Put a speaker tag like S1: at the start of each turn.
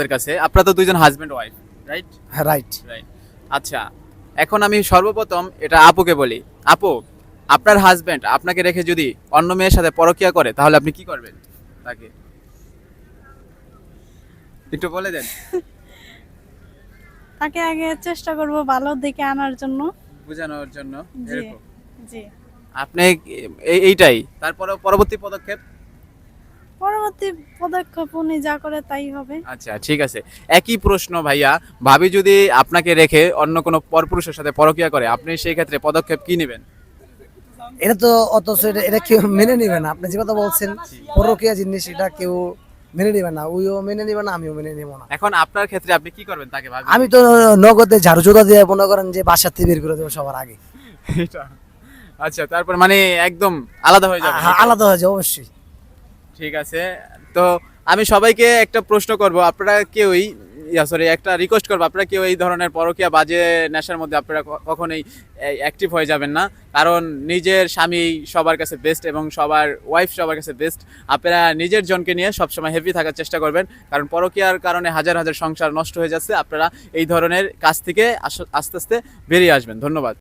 S1: কাছে আপনারা তো দুইজন হাজবেন্ড ওয়াইফ, রাইট?
S2: হ্যাঁ, রাইট।
S1: রাইট। আচ্ছা, এখন আমি সর্বপ্রথম এটা আপুকে বলি। আপু, আপনার হাজবেন্ড আপনাকে রেখে যদি অন্য মেয়ের সাথে পরকীয়া করে তাহলে আপনি কি করবেন তাকে? একটু বলে দেন।
S3: তাকে আগে চেষ্টা করব ভালো দিকে আনার জন্য।
S1: বোঝানোর জন্য
S3: জি
S1: এরকম।
S3: জি।
S1: আপনি এইটাই তারপরে পরবর্তী পদক্ষেপ?
S3: পরবর্তী পদক্ষেপ উনি যা করে তাই হবে।
S1: আচ্ছা, ঠিক আছে। একই প্রশ্ন ভাইয়া, ভাবি যদি আপনাকে রেখে অন্য কোনো পরপুরুষের সাথে পরকীয়া করে আপনি সেই ক্ষেত্রে পদক্ষেপ কি নেবেন?
S2: এটা তো অথচ এটা কেউ মেনে নিবে না। আপনি যে কথা বলছেন পরকীয়া জিনিস, এটা কেউ মেনে নিবে না। ওইও মেনে নিবে না, আমিও মেনে নিব না।
S1: এখন আপনার ক্ষেত্রে আপনি কি করবেন তাকে ভাবি?
S2: আমি তো নগদে ঝাড়ু জোড়া দিয়ে মনে করেন যে বাসা থেকে বের করে দেবো সবার আগে।
S1: এটা আচ্ছা, তারপর মানে একদম আলাদা হয়ে যাবে?
S2: হ্যাঁ, আলাদা হয়ে যায় অবশ্যই।
S1: ঠিক আছে। তো আমি সবাইকে একটা প্রশ্ন করব, আপনারা কেউই একটা রিকোয়েস্ট করবো, আপনারা কেউ এই ধরনের পরকীয়া বাজে নেশার মধ্যে আপনারা কখনোই অ্যাক্টিভ হয়ে যাবেন না। কারণ নিজের স্বামী সবার কাছে বেস্ট এবং সবার ওয়াইফ সবার কাছে বেস্ট। আপনারা নিজের জনকে নিয়ে সবসময় হ্যাপি থাকার চেষ্টা করবেন, কারণ পরকীয়ার কারণে হাজার হাজার সংসার নষ্ট হয়ে যাচ্ছে। আপনারা এই ধরনের কাজ থেকে আস্তে আস্তে বেরিয়ে আসবেন। ধন্যবাদ।